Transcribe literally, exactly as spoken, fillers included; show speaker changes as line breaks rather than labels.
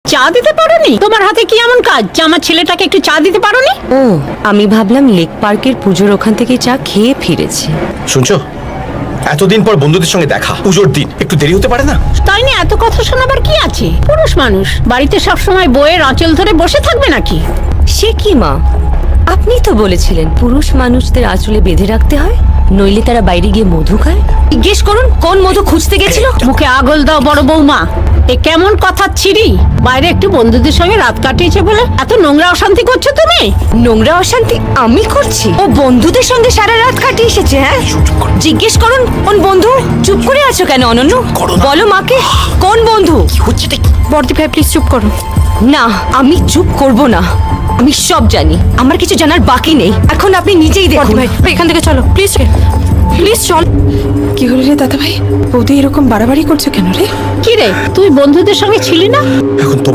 চা দিতে পারোনি? তোমার হাতে কি এমন কাজ যে আমার ছেলেটাকে একটু চা দিতে পারোনি?
ও, আমি ভাবলাম লেক পার্কের পুজোর ওখান থেকে চা খেয়ে ফিরেছি।
শুনছো, এতদিন পর বন্ধুদের সঙ্গে দেখা, পুজোর দিন একটু দেরি হতে পারে না?
তাই না, এত কথা শোনাবার কি আছে? পুরুষ মানুষ বাড়িতে সবসময় বইয়ের আঁচল ধরে বসে থাকবে নাকি?
সে কি মা, আপনি তো বলেছিলেন পুরুষ মানুষদের আঁচলে বেঁধে রাখতে হয়, নইলে তারা বাইরে গিয়ে মধু খায়। জিজ্ঞেস করুন কোন মধু খুঁজতে গেছিল।
মুখে আগল দাও বড় বৌমা, এ কেমন কথা ছিড়ি? বাইরে একটু বন্ধুদের সঙ্গে রাত কাটিয়েছে বলে এত নোংরা অশান্তি করছো তুমি?
নোংরা অশান্তি আমি করছি? ও বন্ধুদের সঙ্গে সারা রাত কাটিয়ে এসেছে। হ্যাঁ, জিজ্ঞেস করুন কোন বন্ধু। চুপ করে আছো কেন অনন্য? বলো মাকে, কোন বন্ধু?
বর্দি ভাই প্লিজ চুপ করো।
না, আমি চুপ করব না। আমি সব জানি, আমার কিছু জানার বাকি নেই। এখন আপনি নিজেই
বর্দি
দেখুন।
ভাই এখান থেকে চলো প্লিজ, প্লিজ চল। কি হলো রে দাদা ভাই, বৌদি এরকম বাড়াবাড়ি করছো কেন রে?
কি রে, তুই বন্ধুদের সঙ্গে ছিলি না?
এখন তো